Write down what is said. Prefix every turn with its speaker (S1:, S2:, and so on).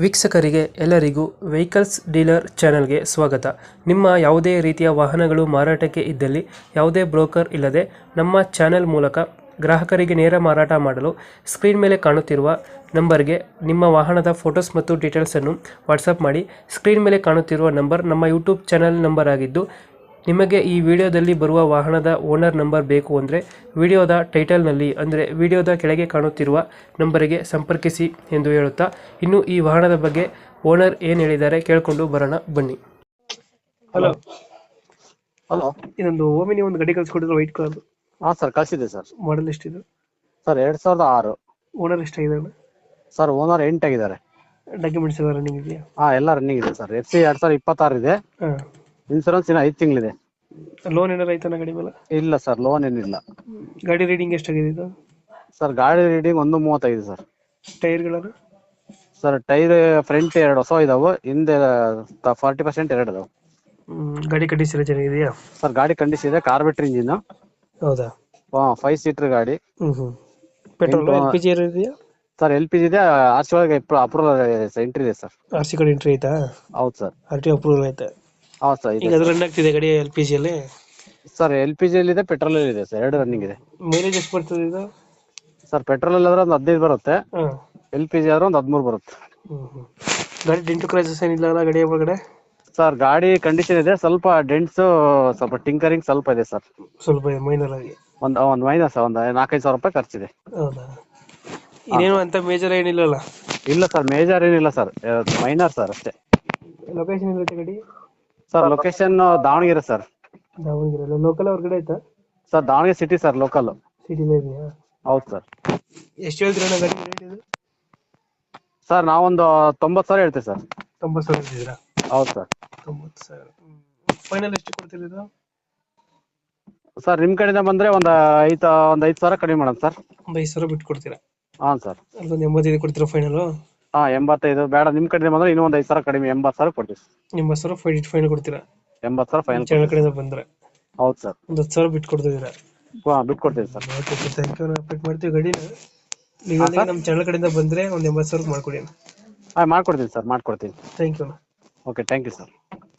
S1: ವೀಕ್ಷಕರಿಗೆ ಎಲ್ಲರಿಗೂ vehicles dealer ಚಾನೆಲ್ಗೆ ಸ್ವಾಗತ. ನಿಮ್ಮ ಯಾವುದೇ ರೀತಿಯ ವಾಹನಗಳು ಮಾರಾಟಕ್ಕೆ ಇದ್ದಲ್ಲಿ ಯಾವುದೇ ಬ್ರೋಕರ್ ಇಲ್ಲದೆ ನಮ್ಮ ಚಾನೆಲ್ ಮೂಲಕ ಗ್ರಾಹಕರಿಗೆ ನೇರ ಮಾರಾಟ ಮಾಡಲು ಸ್ಕ್ರೀನ್ ಮೇಲೆ ಕಾಣುತ್ತಿರುವ ನಂಬರ್ಗೆ ನಿಮ್ಮ ವಾಹನದ ಫೋಟೋಸ್ ಮತ್ತು ಡೀಟೇಲ್ಸನ್ನು ವಾಟ್ಸಪ್ ಮಾಡಿ. ಸ್ಕ್ರೀನ್ ಮೇಲೆ ಕಾಣುತ್ತಿರುವ ನಂಬರ್ ನಮ್ಮ ಯೂಟ್ಯೂಬ್ ಚಾನೆಲ್ ನಂಬರ್ ಆಗಿದ್ದು, ನಿಮಗೆ ಈ ವಿಡಿಯೋದಲ್ಲಿ ಬರುವ ವಾಹನದ ಓನರ್ ನಂಬರ್ ಬೇಕು ಅಂದರೆ ವಿಡಿಯೋದ ಟೈಟಲ್ನಲ್ಲಿ ಅಂದರೆ ವಿಡಿಯೋದ ಕೆಳಗೆ ಕಾಣುತ್ತಿರುವ ನಂಬರಿಗೆ ಸಂಪರ್ಕಿಸಿ ಎಂದು ಹೇಳುತ್ತಾ, ಇನ್ನು ಈ ವಾಹನದ ಬಗ್ಗೆ ಓನರ್ ಏನು ಹೇಳಿದ್ದಾರೆ ಕೇಳಿಕೊಂಡು ಬರೋಣ ಬನ್ನಿ. Hello,
S2: hello.
S1: ಇದೊಂದು ಓಮಿನಿ ಒಂದು ಗಾಡಿ ಕಳಿಸ್ಕೊಟ್ಟಿದ್ರು, ವೈಟ್ ಕಲರ್.
S2: ಹಾ ಸರ್, ಕಳಿಸಿದೆ ಸರ್.
S1: ಮಾಡಲ್ ಎಷ್ಟಿದೆ
S2: ಸರ್ 2006.
S1: ಓನರ್ ಎಷ್ಟಾಗಿದ್ದಾರೆ
S2: ಸರ್ ಓನರ್ 8 ಆಗಿದ್ದಾರೆ.
S1: ಡಾಕ್ಯುಮೆಂಟ್ಸ್ ಎಲ್ಲ ರನ್ನಿಂಗ್ ಇದೆಯಾ?
S2: ಹಾ ಎಲ್ಲ ರನ್ನಿಂಗ್ ಇದೆ ಸರ್. FC 2026 ಇದೆ.
S1: ಹಾಂ.
S2: ಇನ್ಸೂರೆನ್ಸ್ ಇನ್ನು 5 ತಿಂಗಳಿದೆ.
S1: ಲೋನ್ ಏನಾರು ಆಯ್ತಾನ ಗಾಡಿ ಮೇಲೆ?
S2: ಇಲ್ಲ ಸರ್, ಲೋನ್ ಏನಿಲ್ಲ.
S1: ಗಾಡಿ ರೀಡಿಂಗ್ ಎಷ್ಟಾಗಿದೆ ಇದು?
S2: ಸರ್ ಗಾಡಿ ರೀಡಿಂಗ್ 1.35 ಸರ್.
S1: ಟೈರ್ಗಳನ್ನು?
S2: ಸರ್ ಟೈರ್ ಫ್ರಂಟ್ 2 ಹೊಸ ಇದಾವೆ, ಹಿಂದೆ 40% 2 ಇದಾವೆ.
S1: ಗಾಡಿ ಕಂಡೀಷನ್ ಚೆನ್ನಾಗಿದೆಯಾ?
S2: ಸರ್ ಗಾಡಿ ಕಂಡೀಷನ್ ಇದೆ, ಕಾರ್ಬೆಟರ್ ಇಂಜಿನ್.
S1: ಹೌದಾ?
S2: 5 ಸೀಟರ್ ಗಾಡಿ.
S1: ಪೆಟ್ರೋಲ್ LPG ಇದೆಯಾ?
S2: ಸರ್ LPG ಇದೆ. RC ಒಳಗೆ ಅಪ್ರೂವಲ್ ಎಂಟ್ರಿ ಇದೆ ಸರ್.
S1: RC ಕಡೆ ಎಂಟ್ರಿ ಆಯ್ತಾ?
S2: ಹೌದು ಸರ್.
S1: RTO ಅಪ್ರೂವಲ್ ಆಯ್ತಾ?
S2: ಹೌದು ಸರ್.
S1: ಈಗ ಅದು ರನ್ ಆಗ್ತಿದೆ ಗಾಡಿ LPG ಅಲ್ಲಿ?
S2: ಸರ್ LPG ಅಲ್ಲಿ ಇದೆ, ಪೆಟ್ರೋಲ್ ಅಲ್ಲಿ ಇದೆ ಸರ್, 2 ರನ್ನಿಂಗ್ ಇದೆ.
S1: ಮೈಲೇಜ್ ಎಷ್ಟು ಬರ್ತದೆ ಇದು?
S2: ಸರ್ ಪೆಟ್ರೋಲ್ ಅಲ್ಲಿ ಆದ್ರೆ ಒಂದು 15 ಬರುತ್ತೆ,
S1: ಹಾಂ.
S2: LPG ಆದ್ರೆ ಒಂದು 13 ಬರುತ್ತೆ.
S1: ಗಾಡಿ ಡೆಂಟು ಕ್ರೈಸಸ್ ಏನಿಲ್ಲ ಅಲ್ಲ ಗಾಡಿ ಒಳಗಡೆ?
S2: ಸರ್ ಗಾಡಿ ಕಂಡೀಷನ್ ಇದೆ, ಸ್ವಲ್ಪ ಡೆಂಟ್ಸ್, ಸ್ವಲ್ಪ ಟಿಂಕರಿಂಗ್ ಸ್ವಲ್ಪ ಇದೆ ಸರ್.
S1: ಸ್ವಲ್ಪ ಮೈನರ್ ಆಗಿ
S2: ಒಂದು ಮೈನಸ್ ಒಂದು 4-5 ಸಾವಿರ ರೂಪಾಯಿ ಖರ್ಚಿದೆ.
S1: ಹೌದಾ? ಇನ್ನೇನು ಅಂತ ಮೇಜರ್ ಏನಿಲ್ಲಲ್ಲ?
S2: ಇಲ್ಲ ಸರ್, ಮೇಜರ್ ಏನಿಲ್ಲ ಸರ್, ಮೈನರ್ ಸರ್ ಅಷ್ಟೇ.
S1: ಲೊಕೇಶನ್ ಇರುತ್ತೆ ಗಾಡಿ?
S2: Sir location Davanagere sir.
S1: Davanagere local ಹೊರಗಡೆ ಆಯ್ತಾ?
S2: Sir Davanagere city sir, local.
S1: ಸಿಟಿಲೇ ಇದೆಯಾ?
S2: ಹೌದು ಸರ್.
S1: ಎಷ್ಟು ಹೇಳ್ತೀರಾ ಗಾಡಿ ರೇಟ್ ಇದು?
S2: ಸರ್ ನಾವೊಂದು 90 ಸಾವಿರ ಹೇಳ್ತೀವಿ ಸರ್.
S1: 90 ಸಾವಿರ ಹೇಳ್ತಿದ್ದೀರಾ?
S2: ಹೌದು ಸರ್.
S1: 90 ಸಾವಿರ. ಫೈನಲ್ ಎಷ್ಟು ಕೊಡ್ತೀರಿ ಇದು?
S2: ಸರ್ ನಿಮ್ಮ ಕಡೆಯಿಂದ ಬಂದ್ರೆ ಒಂದು 5 ಸಾವಿರ ಕಡಿಮೆ ಮಾಡೋಣ ಸರ್.
S1: ಒಂದು 5 ಸಾವಿರ ಬಿಟ್ಟು ಕೊಡ್ತೀರಾ?
S2: ಹಾಂ ಸರ್.
S1: ಅಲ್ಲೊಂದು 85 ಕೊಡ್ತೀರಾ ಫೈನಲ್?
S2: ಹಾಂ 85 ಬೇಡ, ನಿಮ್ಮ ಕಡೆಯಿಂದ ಬಂದ್ರೆ ಇನ್ನೂ ಒಂದು 5 ಸಾವಿರ ಕಡಿಮೆ, 80 ಸಾವಿರ ಕೊಡ್ತೀವಿ.
S1: 80 ಸಾವಿರ ಫೈನಲ್ ಕೊಡ್ತೀರಾ?
S2: 80 ಸಾವಿರ ಫೈನಲ್
S1: ಚಾನಲ್ ಕಡೆಯಿಂದ ಬಂದ್ರೆ?
S2: ಹೌದು ಸರ್.
S1: ಒಂದು 10 ಸಾವಿರ ಬಿಟ್ಟು ಕೊಡ್ತಿದ್ದೀರಾ?
S2: ಹಾಂ ಬಿಟ್ಟು ಕೊಡ್ತೀವಿ sir.
S1: Okay sir, thank you. Update ಮಾಡ್ತೀವಿ ಗಾಡಿನ. ನೀವು ನಮ್ಮ ಚಾನಲ್ ಕಡೆಯಿಂದ ಬಂದರೆ ಒಂದು 80 ಸಾವಿರ ಮಾಡ್ಕೊಡಿ.
S2: ಹಾಂ ಮಾಡ್ಕೊಡ್ತೀನಿ ಸರ್, ಮಾಡ್ಕೊಡ್ತೀನಿ.
S1: Thank you.
S2: Okay, thank you sir.